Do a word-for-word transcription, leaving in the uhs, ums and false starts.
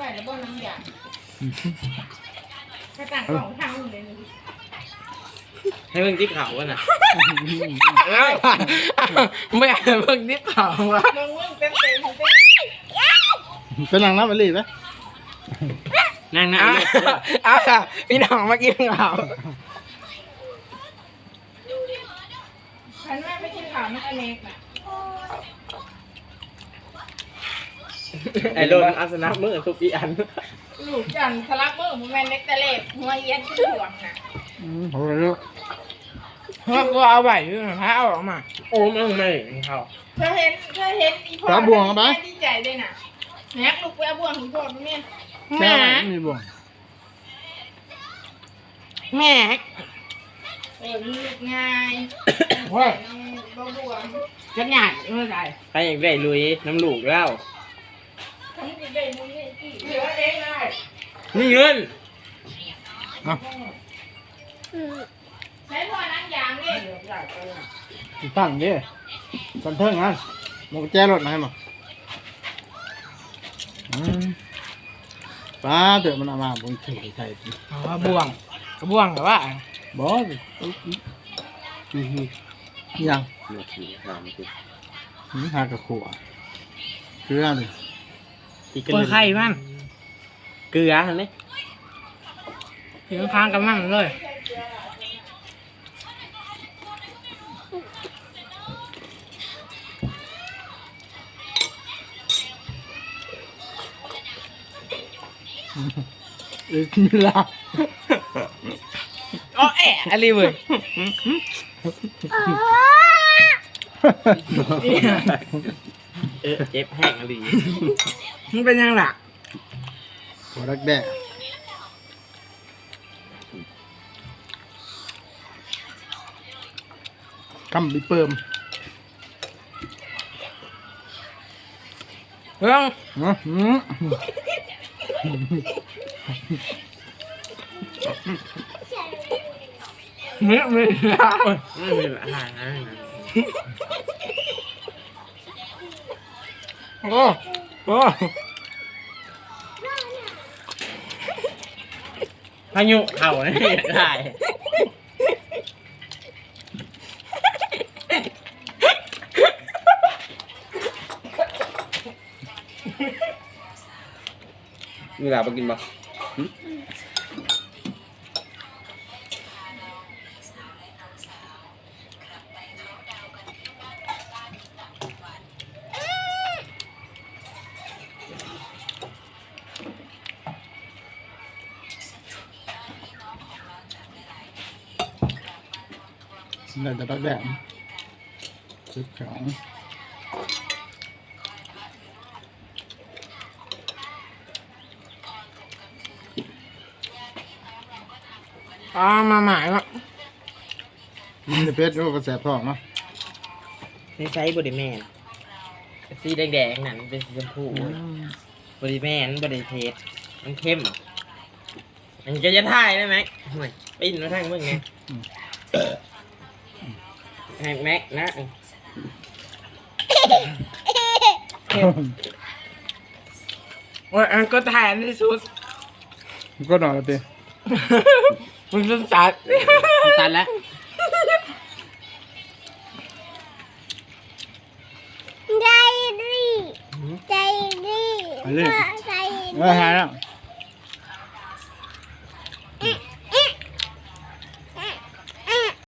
แล้วบ่น้ำยาถ้าต่างกล่องทางเลยให้เพิ่งที่เขาวะน่ะไม่อยากเพิ่งนิดเขาวะลงมึงเต็มเต็มเต็มเป็นหลังน้ำมันรีบไหมนั่งนั่งเอาค่ะพี่น้องมากินเขาฉันว่าไม่กินข้าวมันอเนกน่ะไอ้โดนอาสนะมือทุกอีอันลูกจันทลักมือมึงแม่นเล็กแต่เล็บหัวเอียนขึ้นห่วงน่ะอืมโหเลยลูกเพราะกูเอาใบยื่นให้เอาออกมาโอ้มันไม่เขาเธอเห็นเธอเห็นอีพ่อดีใจเลยน่ะแม็กลูกไปเอาบ่วงของพ่อแม่แม่แม่มีบ่วงแม่เออลูกง่ายเฮ้ยบ่บ่วงจะหยาดเมื่อไหร่ใครอยากได้ลุยน้ำลูกแล้วทั้งที่ได้มึงนี่ที่เหลือเองเลยนี่เงินใช้พ่อนั่งยางนี่ตั้งดิกันเทิงงั้นมองแจรถมาให้มาอืมป้าเดี๋ยวมันเอามาบนถือใส่อ๋อบ่วงกระบ่วงแต่ว่าบอสอืมยังหนึ่งสี่สามสิบหืมหากระขัวเกลือเลยอีกคนไข้มันเกลือเห็นไหมถึงค้างกันมั่งเลยเออมีลาอ๋อแอะอะไรเว้ยเออเจ็บแห้งอะไรมันเป็นยังไงหัวรักแด่กำบิเปิมเรื่องเนาะอืมเนื้อไม่ยาวไม่มีอาหารโอ้โอ้พายุเข่าเนี่ยได้มีหลาไปกินบ่ได้แต่รักแด่ชุดของอ๋อมาหมายว่ามันจะเพชรก็กระแสทองเนาะนี่ใช้บริแมนสีแดงๆนั่นเป็นสีชมพูบริแมนบริเทสมันเข้มอันนี้ก็จะถ่ายได้ไหมไปอินมาทางมึงไงแม็กแม็กนะโอ้ยอันก็แทนที่สุดก็นอนแล้วเต้มันเป็นสัตว์ตันแล้วใจดีใจดีไปเลยใจเออหายแล้ว